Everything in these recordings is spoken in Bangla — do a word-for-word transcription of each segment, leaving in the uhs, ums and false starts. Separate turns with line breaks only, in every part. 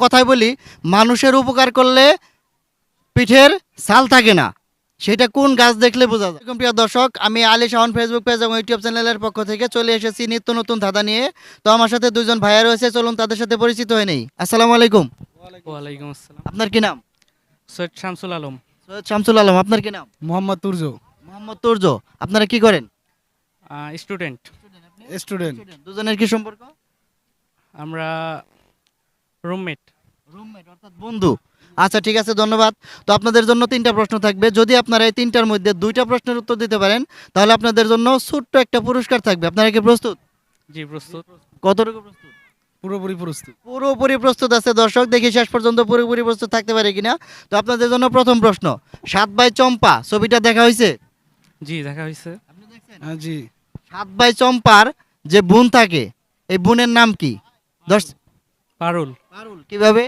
কথায় বলি মানুষের উপকার করলে পিঠের ছাল থাকে না, সেটা কোন গাছ দেখলে বোঝা যায়? এরকম প্রিয় দর্শক, আমি আলী শাওন ফেসবুক পেজ এবং ইউটিউব চ্যানেলের পক্ষ থেকে চলে এসেছি নিত্য নতুন ধাঁধা নিয়ে। তো আমার সাথে দুজন ভাইয়া রয়েছে, চলুন তাদের সাথে পরিচিত হয়ে নেই। আসসালামু আলাইকুম।
ওয়ালাইকুম আসসালাম।
আপনার কি নাম?
সৈয়দ শামসুল আলম।
সৈয়দ শামসুল আলম। আপনার কি নাম?
মোহাম্মদ তুর্জ।
মোহাম্মদ তুর্জ। আপনারা কি করেন?
স্টুডেন্ট।
স্টুডেন্ট।
দুজনের কি সম্পর্ক?
আমরা রুমমেট।
রুমমেট অর্থাৎ বন্ধু। আচ্ছা ঠিক আছে, ধন্যবাদ। তো আপনাদের জন্য তিনটা প্রশ্ন থাকবে, যদি আপনারা এই তিনটার মধ্যে দুইটা প্রশ্নের উত্তর দিতে পারেন তাহলে আপনাদের জন্য ছোট্ট একটা পুরস্কার থাকবে। আপনারা কি প্রস্তুত?
জি প্রস্তুত।
কতটুকু প্রস্তুত?
পুরোপুরি প্রস্তুত।
পুরোপুরি প্রস্তুত আছে দর্শক, দেখি শেষ পর্যন্ত পুরোপুরি প্রস্তুত থাকতে পারে কিনা। তো আপনাদের জন্য প্রথম প্রশ্ন, সাত বাই চম্পা ছবিটা দেখা হয়েছে?
জি দেখা হয়েছে।
আপনি দেখছেন?
হ্যাঁ, জি।
সাত বাই চম্পার যে বোন থাকে এই বোনের নাম কি? দশ
পারুল।
পারুল। কিভাবে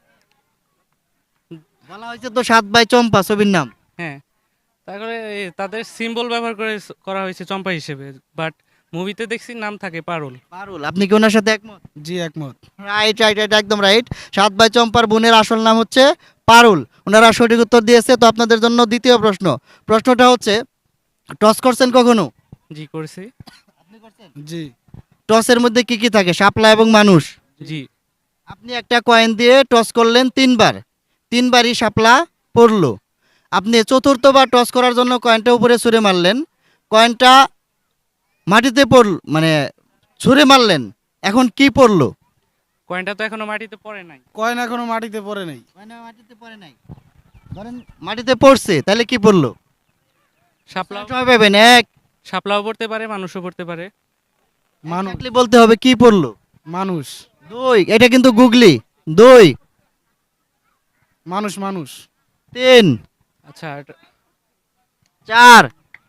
বলা হয়েছে তো সাত বাই চম্পা ছবির নাম?
হ্যাঁ, তারপরে এ, তাদের সিম্বল ব্যবহার করে স- করা হয়েছে চম্পা হিসেবে, বাট মুভিতে দেখছি নাম থাকে পারুল।
পারুল। আপনি কি ওনার সাথে একমত?
জি একমত।
রাইট রাইট রাইট একদম রাইট। সাত বাই চম্পার বোনের আসল নাম হচ্ছে পারুল। ওনারা সঠিক উত্তর দিয়েছে। তো আপনাদের জন্য দ্বিতীয় প্রশ্ন, প্রশ্নটা হচ্ছে টস করছেন কখনো?
জি করছি।
জি।
টসের মধ্যে কি কি থাকে? শাপলা এবং মানুষ।
জি।
আপনি একটা কয়েন দিয়ে টস করলেন তিনবার, তিনবারই শাপলা পড়লো। আপনি চতুর্থবার টস করার জন্য কয়েনটা উপরে ছুঁড়ে মারলেন, কয়েনটা মাটিতে পড়ল, মানে ছুঁড়ে মারলেন, এখন কি পড়লো?
কয়েনটা তো এখনো মাটিতে পড়ে নাই।
কয়েন এখনো মাটিতে পড়ে নাই।
মাটিতে পড়ে নাই, ধরেন মাটিতে পড়ছে, তাহলে কি পড়লো?
শাপলাও
সময় পাবেন এক।
শাপলাও পড়তে পারে, মানুষও পড়তে পারে।
মানুষ।
Exactly বলতে হবে কি পড়লো।
মানুষ।
দুই, এটা কিন্তু গুগলি। দুই।
মানুষ মানুষ।
তিন।
আচ্ছা এটা-
চার।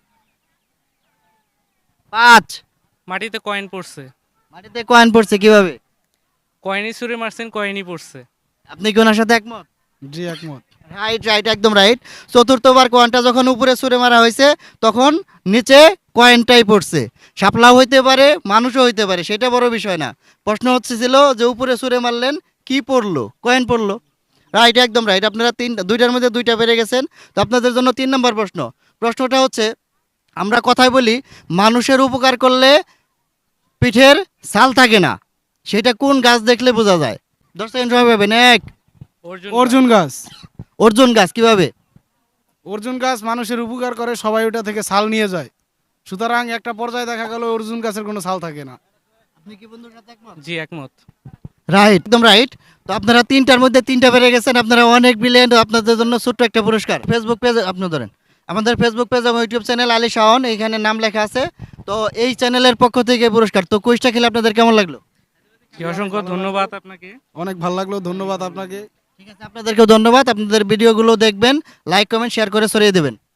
পাঁচ।
মাটিতে কয়েন পড়ছে।
মাটিতে কয়েন পড়ছে কিভাবে?
কয়েনই ছুঁড়ে মারছেন, কয়েনই পড়ছে।
আপনি কি ওনার সাথে একমত?
জি একমত।
রাইট রাইট একদম রাইট। চতুর্থবার কয়েনটা যখন উপরে ছুঁড়ে মারা হয়েছে তখন নিচে কয়েনটাই পড়ছে। শাপলাও হইতে পারে, মানুষও হইতে পারে, সেটা বড় বিষয় না। প্রশ্ন হচ্ছে ছিল যে উপরে ছুঁড়ে মারলেন, কি পড়লো? কয়েন পড়লো। রাইট একদম রাইট। আপনারা তিন দুইটার মধ্যে দুইটা পেরে গেছেন। তো আপনাদের জন্য তিন নম্বর প্রশ্ন, প্রশ্নটা হচ্ছে আমরা কথায় বলি মানুষের উপকার করলে পিঠের ছাল থাকে না, সেটা কোন গাছ দেখলে বোঝা যায়? দশ সেকেন্ড সময় পাবেন। এক।
অর্জুন।
অর্জুন গাছ।
অর্জুন গাছ। কিভাবে?
অর্জুন গাছ মানুষের উপকার করে, সবাই ওটা থেকে ছাল নিয়ে যায়, সুতরাং একটা পর্যায়ে দেখা গেল অর্জুন গাছের কোনো ছাল থাকে না।
আপনি কি বন্ধুর সাথে একমত?
জি একমত।
রাইট একদম রাইট। তো আপনারা তিনটার মধ্যে তিনটা পেরে গেছেন, আপনারা অনেক ব্রিলিয়েন্ট। আপনাদের জন্য ছোট্ট একটা পুরস্কার, ফেসবুক পেজ আপনি ধরেন, আমাদের ফেসবুক পেজ এবং ইউটিউব চ্যানেল আলী শাওন, এইখানে নাম লেখা আছে। তো এই চ্যানেলের পক্ষ থেকে এই পুরস্কার। তো কুইজটা খেলে আপনাদের কেমন লাগলো?
জি অসংখ্য ধন্যবাদ আপনাকে।
অনেক ভালো লাগলো, ধন্যবাদ আপনাকে।
ঠিক আছে, আপনাদেরকেও ধন্যবাদ। আপনাদের ভিডিওগুলো দেখবেন, লাইক কমেন্ট শেয়ার করে ছড়িয়ে দেবেন।